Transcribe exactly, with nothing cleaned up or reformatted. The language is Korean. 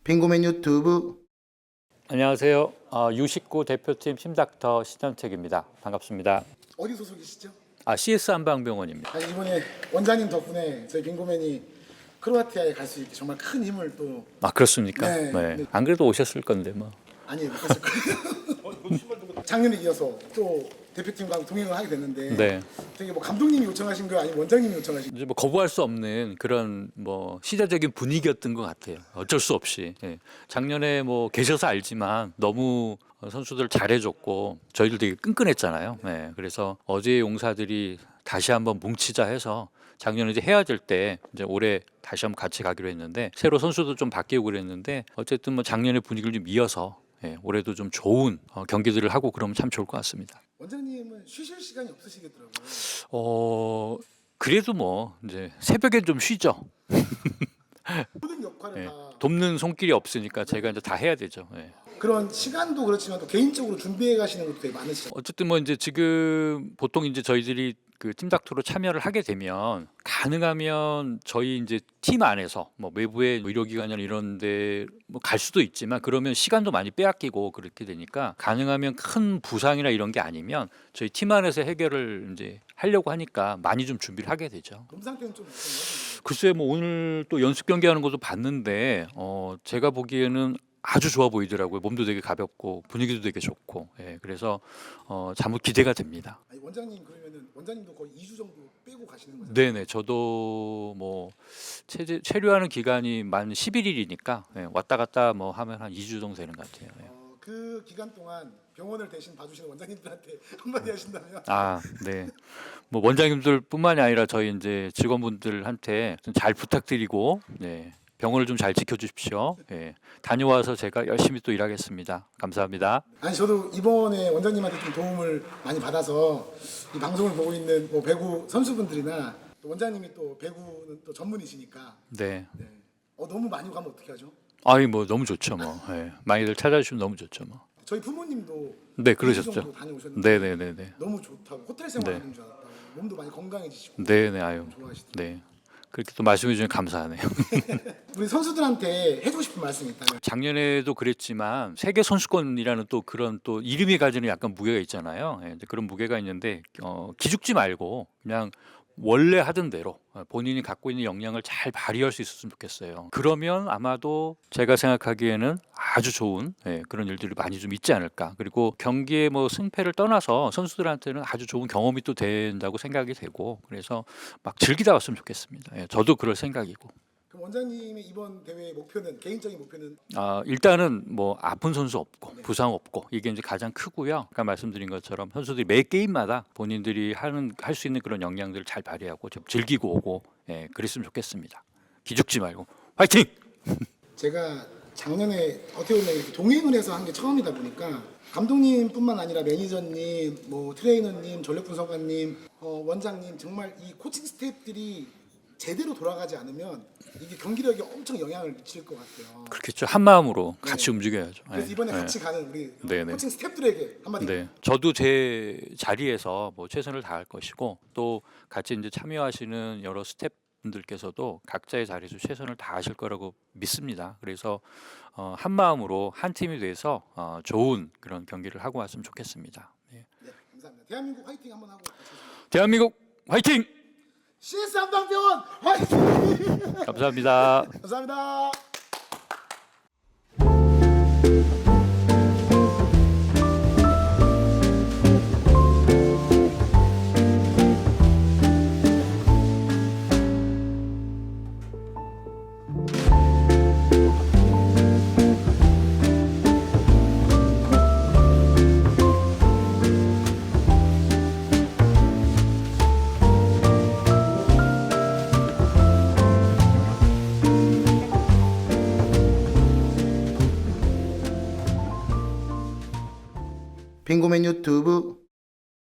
빙고맨 유튜브. 안녕하세요. 어, 유십구 대표팀 심닥터 신현택입니다. 반갑습니다. 어디 소속이시죠? 아, 씨에스 한방병원입니다. 아니, 이번에 원장님 덕분에 저희 빙고맨이 크로아티아에 갈 수 있게 정말 큰 힘을 또. 아, 그렇습니까? 네. 네. 네. 안 그래도 오셨을 건데 뭐. 아니, 못 갔을 거예요. 작년에 이어서 또 대표팀과 동행을 하게 됐는데 네. 되게 뭐 감독님이 요청하신 거예요, 아니면 원장님이 요청하신 거예요? 이제 뭐 거부할 수 없는 그런 뭐 시대적인 분위기였던 것 같아요. 어쩔 수 없이. 예. 작년에 뭐 계셔서 알지만 너무 선수들 잘해줬고 저희들 되게 끈끈했잖아요. 예. 그래서 어제 용사들이 다시 한번 뭉치자 해서 작년에 이제 헤어질 때 이제 올해 다시 한번 같이 가기로 했는데 새로 선수도 좀 바뀌고 그랬는데 어쨌든 뭐 작년의 분위기를 좀 이어서 예, 올해도 좀 좋은 어, 경기들을 하고 그러면 참 좋을 것 같습니다. 원장님은 쉬실 시간이 없으시겠더라고요. 어 그래도 뭐 이제 새벽엔 좀 쉬죠. 모든 역할을 예, 다 돕는 손길이 없으니까 제가 이제 다 해야 되죠. 예. 그런 시간도 그렇지만 또 개인적으로 준비해 가시는 것도 되게 많으시죠. 어쨌든 뭐 이제 지금 보통 이제 저희들이 그 팀닥터로 참여를 하게 되면 가능하면 저희 이제 팀 안에서 뭐 외부의 뭐 의료기관이나 이런데 뭐 갈 수도 있지만 그러면 시간도 많이 빼앗기고 그렇게 되니까 가능하면 큰 부상이나 이런 게 아니면 저희 팀 안에서 해결을 이제 하려고 하니까 많이 좀 준비를 하게 되죠. 몸 상태는 좀 어떤가요? 글쎄 뭐 오늘 또 연습 경기하는 것도 봤는데 어 제가 보기에는 아주 좋아 보이더라고요. 몸도 되게 가볍고 분위기도 되게 좋고. 예, 그래서 어 잠옷 기대가 됩니다. 아니, 원장님 그러면은 원장님도 거의 이 주 정도 빼고 가시는 거죠? 네네, 저도 뭐 체제, 체류하는 기간이 만 십일 일이니까 예, 왔다 갔다 뭐 하면 한 이 주 정도 되는 것 같아요. 예. 어, 그 기간 동안 병원을 대신 봐주시는 원장님들한테 한마디 하신다면? 아, 네. 뭐 원장님들뿐만이 아니라 저희 이제 직원분들한테 좀 잘 부탁드리고, 네, 병원을 좀 잘 지켜주십시오. 예, 다녀와서 제가 열심히 또 일하겠습니다. 감사합니다. 아니, 저도 이번에 원장님한테 좀 도움을 많이 받아서 이 방송을 보고 있는 뭐 배구 선수분들이나 또 원장님이 또 배구는 또 전문이시니까 네. 네. 어, 너무 많이 가면 어떻게 하죠? 아이 뭐 너무 좋죠 뭐. 예, 많이들 찾아주시면 너무 좋죠 뭐. 저희 부모님도 네, 이 주 그러셨죠. 정도 다녀오셨는데 네네네네. 너무 좋다고 호텔 생활하는 줄 알았다고 몸도 많이 건강해지시고 네네, 아유. 좋아하시더라고요. 네. 그렇게 또 말씀해 주시면 감사하네요. 우리 선수들한테 해주고 싶은 말씀이 있다면? 작년에도 그랬지만 세계 선수권이라는 또 그런 또 이름이 가지는 약간 무게가 있잖아요. 예, 이제 그런 무게가 있는데 어, 기죽지 말고 그냥 원래 하던 대로 어, 본인이 갖고 있는 역량을 잘 발휘할 수 있었으면 좋겠어요. 그러면 아마도 제가 생각하기에는 아주 좋은 예, 그런 일들이 많이 좀 있지 않을까. 그리고 경기의 뭐 승패를 떠나서 선수들한테는 아주 좋은 경험이 또 된다고 생각이 되고 그래서 막 즐기다 왔으면 좋겠습니다. 예, 저도 그럴 생각이고. 그럼 원장님의 이번 대회의 목표는, 개인적인 목표는? 아, 일단은 뭐 아픈 선수 없고 부상 없고 이게 이제 가장 크고요. 아까 말씀드린 것처럼 선수들이 매 게임마다 본인들이 하는 할 수 있는 그런 역량들을 잘 발휘하고 좀 즐기고 오고 예, 그랬으면 좋겠습니다. 기죽지 말고 화이팅! 제가 작년에 어떻게 보면 이렇게 동행을 해서 한 게 처음이다 보니까 감독님뿐만 아니라 매니저님, 뭐 트레이너님, 전력 분석관님, 어, 원장님 정말 이 코칭 스태프들이 제대로 돌아가지 않으면 이게 경기력에 엄청 영향을 미칠 것 같아요. 그렇겠죠. 한 마음으로 같이 네. 움직여야죠. 그래서 예, 이번에 예. 같이 가는 우리 네, 네. 코칭 스태프들에게 한마디. 네, 저도 제 자리에서 뭐 최선을 다할 것이고 또 같이 이제 참여하시는 여러 스태프분들께서도 각자의 자리에서 최선을 다하실 거라고 믿습니다. 그래서 어, 한 마음으로 한 팀이 돼서 어, 좋은 그런 경기를 하고 왔으면 좋겠습니다. 네. 네, 감사합니다. 대한민국 화이팅 한번 하고 가겠습니다. 대한민국 화이팅! 씨에스 한방병원 화이팅! 감사합니다. 감사합니다. 빙고맨 유튜브